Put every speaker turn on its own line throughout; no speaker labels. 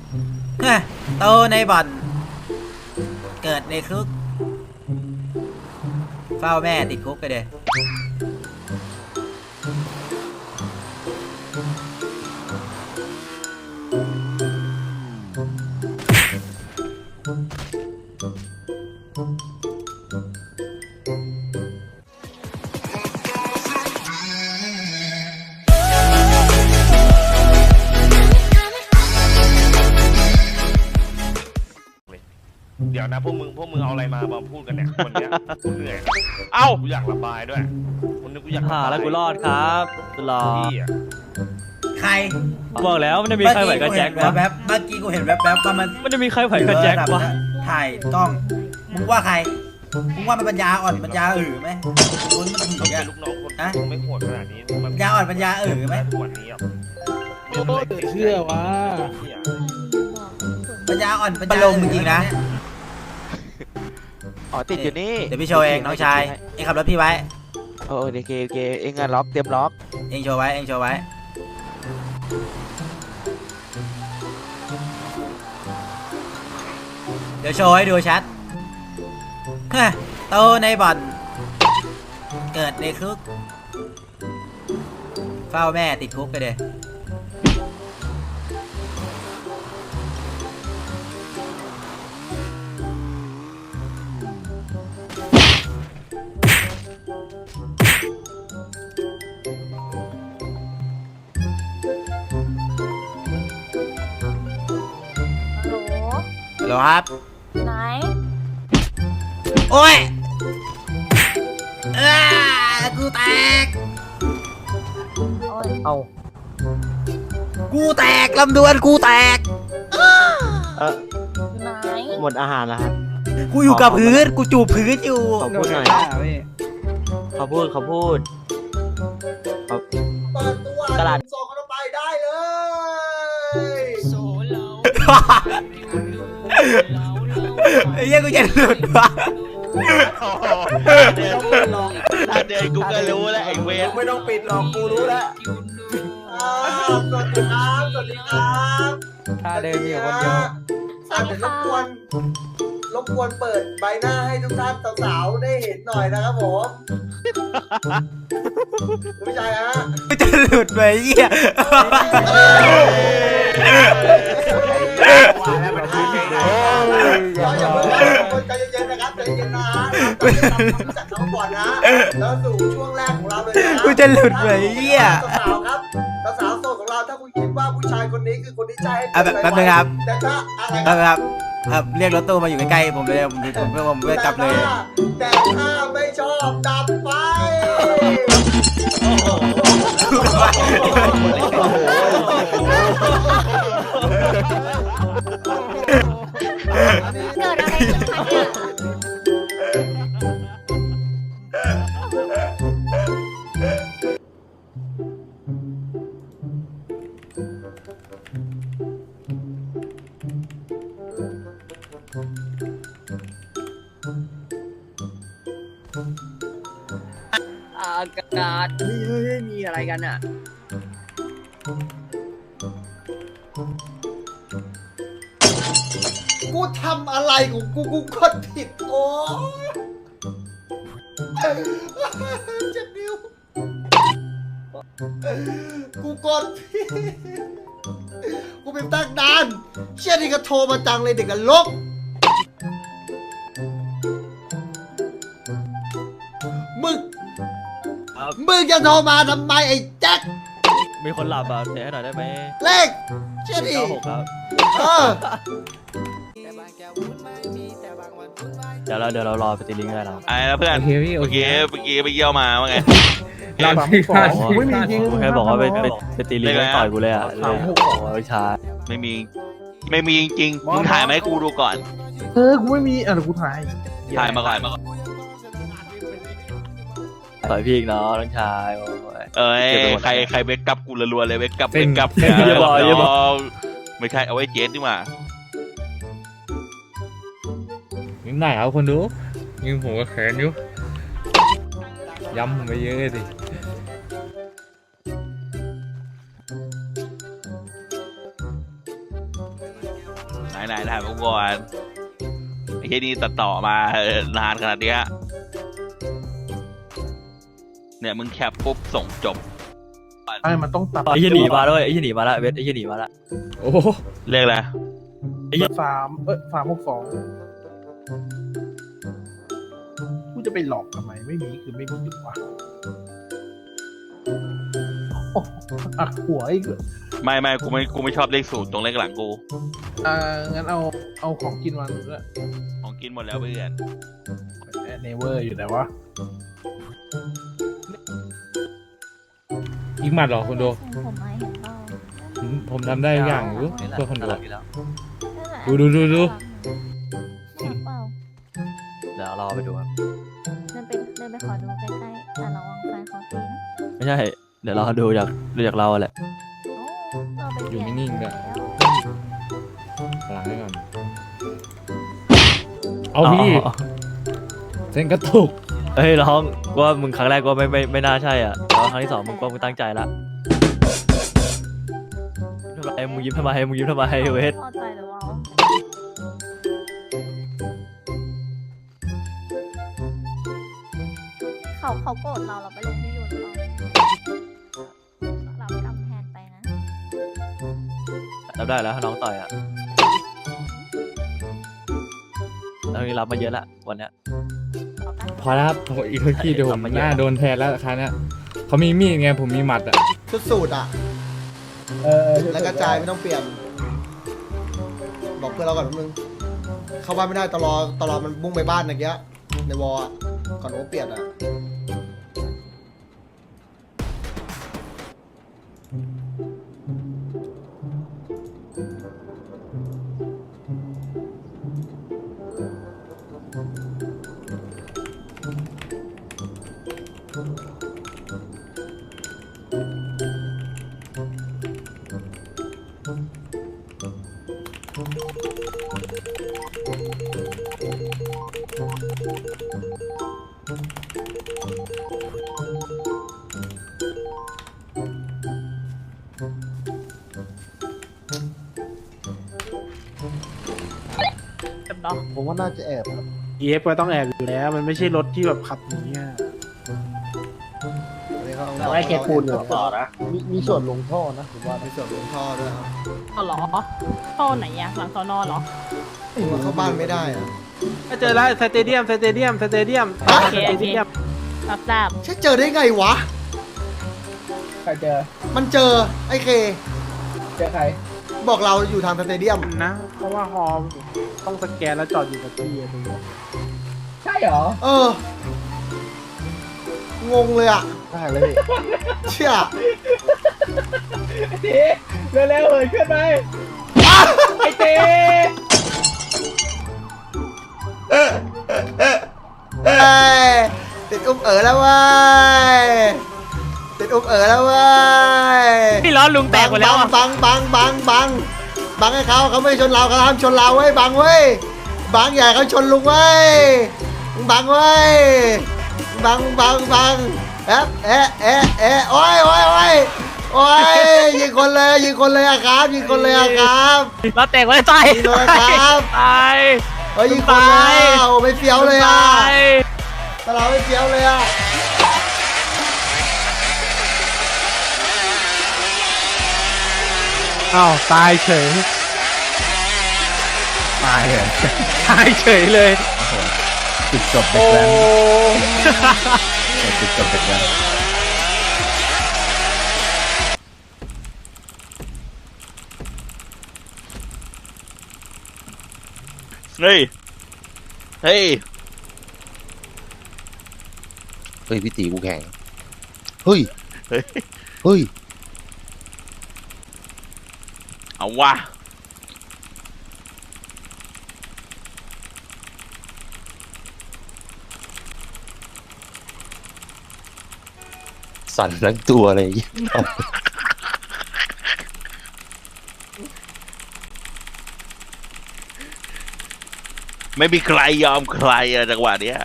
โตในบ่อนเกิดในคุกเฝ้าแม่ติดคุกไปเลย
เดี๋ยวนะพวกมึงเอาอะไรมาพูดกันเนี่ยคนเนี้ยกูเหนื่อยเอ้ากูอยากระบายด้วยคนนึงกูอยากระบาย
แล้วกูรอดครับกูรอ
พี่อะ
ใคร
บอกแล้วมันจะมีใครไหวกับแจ็ควะ
เมื่อกี้กูเห็นแวบว่า
มันจะมีใครไหวกับแจ็ควะ
ถ่ายกล้องมึงว่าใครมึงว่ามันปัญญาอ่อนปัญญาไหมมึงมันถึง
ต้อง
อะ
เป็นลูกน้องคนมึงไม่โหดขนาดนี้มัน
ปัญญาอ่อนปัญญาไหม
ทุกวันนี้อ่ะ
โอ้เชื่อว่า
ปัญญาอ่อนปัญญาลงจริงๆนะ
อ๋อติดอยู่นี่
เดี๋ยวพี่โชว์เองน้องชายเองขับรถพี่ไว้
โอ้โอเคเองอะล็อกเตรียมล็อก
เองโชว์ไว้เดี๋ยวโชว์ให้ดูชัดโตในบ่อนเกิดในคุกเฝ้าแม่ติดคุกไปเลยฮัลโหลครับ
ไหน
โอ้ยกูแตก
โอ้ย
เอา
กูแตกลำดวนกูแตก
ไหน
หมดอาหารแล้วครับ
กูอยู่กับพื้นกูจูบพื้นอยู่
เขาพูดหน่อยเขาพูดตลาด
ส่งกันไปได้เลย
ไอ้เหี้ยกูจะหลุดวะ
ถ้าเดินกูก็รู้แล้วไอ้เวร
ไม่ต้องปิดหรอกกูรู้แล้วสวัสดีครับสวัสดีครับ
ถ้าเดินมีคนเดียว
เดี๋ยวรบกวนเปิดใบหน้าให้ทุกท่านสาวๆได้เห็นหน่อยนะครับผมไม่ใช่ฮะ
กูจะหลุดไปเหี้ย
อย่าเพิ่งใจเย็นๆนะครับใจเย็นๆนะจัดน้องก่อนนะแล้วสู่ช่วงแรกของเราเลยนะ
กูจะหลุดไปเหี้ย
สาวครับสาวโสดของเราถ้าคุณคิดว่าผู้ชายคนนี้คือคนที่ใช่
แป๊บนึงครับ
แต่ถ้าอะไร
ครับเรียกรถตู้มาอยู่ใกล้ๆผมเลยผมไม่กลับเลย
แต่ถ้าไม่ชอบดับไฟ
เกิดอะไรขึ้นคะเนี่ย
อากาศเฮ้ยมีอะไรกันอ่ะ
กูทำอะไรของกูกดผิดโอ้เจ็บนิ้วกูกดผิดกูเป็นตั้งนานเชี่ยนี่ก็โทรมาจังเลยเด็กกันลกมึงจะโทรมาทำไมไอ้แจ็ค
มีคนหลับอ่ะเสียให้หน่อยได้ไหม
เลขเชี่ยดิ
96ครับ
เออ
เดี๋ยวเรารอไปตีลิงก์ได้แล้ว
ไอ้แล้วเพื่อนโอเคเมื่อกี้ไปเยี่ยวมาว่าไง
เราที่พลาดไม่มีจริง
กูแค่บอกว่าไปตีลิงก์แล้วต่อยกูเลยอ่ะเลยไม่ใช่
ไม่มีจริงๆมึงถ่ายมาให้กูดูก่อน
กูไม่มีกูถ่าย
ถ่ายมาก่อน
ต่อยพี่อีกเนาะน้องชาย
เอ้ยใครเบคกับกูรัวๆเลยเบคกับ
อย่าบอก
ไม่ใช่เอาไว้เจสดีกว่า
ยังได้เอาคนดูยิงผมก็แขนอยู่ย้ำผมไปเยอะสิ
ไหนถ่ายผมก่อนไอ้ที่นี่ตัดต่อมานานขนาดเนี้ยเนี่ยมึงแคปปุ๊บส่งจบ
ไอ้มันต้องตัด
ไอ้ยี่หนีมาด้วยไอ้ยี่หนีมาละเวทไอ้ยี่หนีมาละ
โอ้โห
เรียกอะไร
362กูจะไปหลอกทำไมไม่มีคือไม่มีดีกว่าโอ้หักหัวอีก
ไม่กูไม่ชอบเลข0ตรงเลขหลังกู
งั้นเอาของกินมาด้วย
ของกินหมดแล้วเพื่อน
เนเวอร์อยู่ไหนวะ
อีกหมัดเหรอคนดู
ผมไม่เห็นเปล่า
ผมทำได้ทุกอย่างอยู่เพื่อคนดู
นั่นแหละ
ดู
เห็นเปล่า
เดี๋ยวรอไปดูครับ
เดินไปขอดูใกล้ๆแต่ระวังแฟนเขาตีนะ
ไม่ใช่เดี๋ยวรอดูจากเราแหละ
โอ้เราไปเปลี่ยน
อยู่นิ่งๆ
แล้
ด้
ว
วย หลังให้ก่อนเอาพี่เส้นกระตุก
เฮ้ยร้องว่ามึงครั้งแรกก็ไม่น่าใช่อ่ะแต่ว่าครั้งที่สองมึงก็มึงตั้งใจละทำไมมึงยิ้มทำไมเวท
พอใจหรือเปล่าเขาโกรธเราไปลงที่ยูนเรากำแพนไปนะ
รับได้แล้วถ้าน้องต่อยอ่ะแล้วนี่รับมาเยอะละวันเนี้ย
พอแล้วครับอีกทีเดี๋ยวผมหน้าโดนแทนแล้วคราวเนี้ยเขามีมีดไงผมมีหมัดอ่ะ
ชุดสูตรอ่ะแล้วกระจายไม่ต้องเปลี่ยน บอกเพื่อนเราก่อนแป๊บนึงเข้าบ้านไม่ได้ตลอดมันบุ้งไปบ้านเมื่อกี้ในวอลอะก่อนโอเปลี่ยนอ่ะ
ผมว่าน่าจะแอบครับ EF ก็ต้องแอบอยู่แล้ว มันไม่ใช่รถที่แบบขับอย่างเงี้ย แต่ว่าแค่ปูนอยู่ต่อนะมีส่วนลงท่อนะผมว่า
มีส่วนลงท่อด้วยครับ
อ๋อเหรอท่อไหนอะหลังสอนอเหรอ
มันเข้าบ้านไม่ได้อ่ะ
เจอแล้วสเตเดียม
โอเครับทราบ
ใช่เจอได้ไงวะ
ใครเจอ
มันเจอไอ้เค
เจอใคร
บอกเราอยู่ทางสเตเดียม
นะ เพราะว่าฮอมต้องสแกนแล้วจอดอยู่กับที่ตรงนี้ใช่เหรอ
งงเลยอ่ะ
ได้เลย
เชี่ย
เร็วๆเลยขึ้นไปไอเต้
เอ้ยติดอุ้มแล้วเว้ยติดอุ้มแล้วเว้ย
พี่ล้อลุงแตกหมดแล้วอะ
บังให้เขาไม่ชนเราเขาห้ามชนเราเว้ยบังเว้ยบังใหญ่เขาชนลุงเว้ยบังเว้ยบังเอ๊ะโอ้ยยิงคนเลยอะครับยิงคนเลยอะครับ
ล้อแตกหมดแล้วตาย
ยิงเลยครับ
ตาย
เฮ้ยยิงคนเลยอะโอ้ไม่เฟี้ยวเลยอะ
ตาย
ตลาดไม่เฟี้ยวเลยอะ
อ้าวตายเฉย ตายเลยตายเฉยเลย
จุดจบเด็กแว้นจุดจบเด็กแว้น
เฮ้ย
เฮ้ยพี่ตีกูแข่ง เฮ้ย
เอาวะ
สั่นทั้งตัวเลย
ไม่มีใครยอมใครอะจังหวะเนี้ย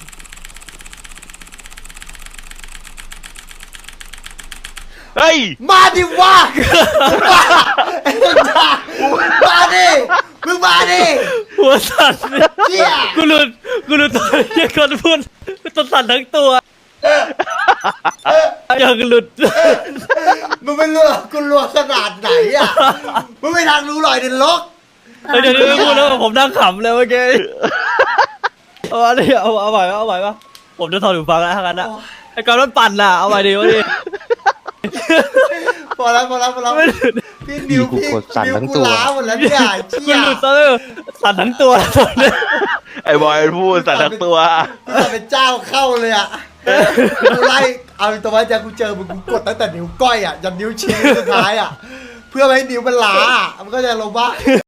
เฮ้ย
มาดิวะมาดิมึงมา
หัวสั่น
เจี๊ย
กูหลุดตอนเหี้ยคนพูดตัวสั่นทั้งตัวอย่างหลุด
มึงไม่รู้กูรัวขนาดไหนอ่ะมึงไม่ทางรู้หรอยเดินลก
เดี๋ยวนี้ไม่พูดแล้วผมนั่งขำเลยเมื่อกี้เอาอันนี้เอาไหวปะผมจะถอดหูฟังแล้วทั้งนั้นนะไอ้กอนมันปั่นน่ะเอาไหวดีวะดิ
พอแล้ว
ไม่หลุด
พี่นิวพี่นิวกูล้าหมดแล้วเนี่ยเจี๊
กู
ย
หลุดซะเลยสั่นทั้งตัวตอนนี้
ไอ้บอยพูดแต่ทั้งตัว
กูจะเป็นเจ้าเข้าเลยอ่ะกูไล่เอาตัวมาจากกูเจอมึงกูกดตั้งแต่นิ้วก้อยอ่ะยันนิ้วชี้สุดท้ายอ่ะเพื่อไม่ให้นิ้วมันล้ามันก็จะลงว่า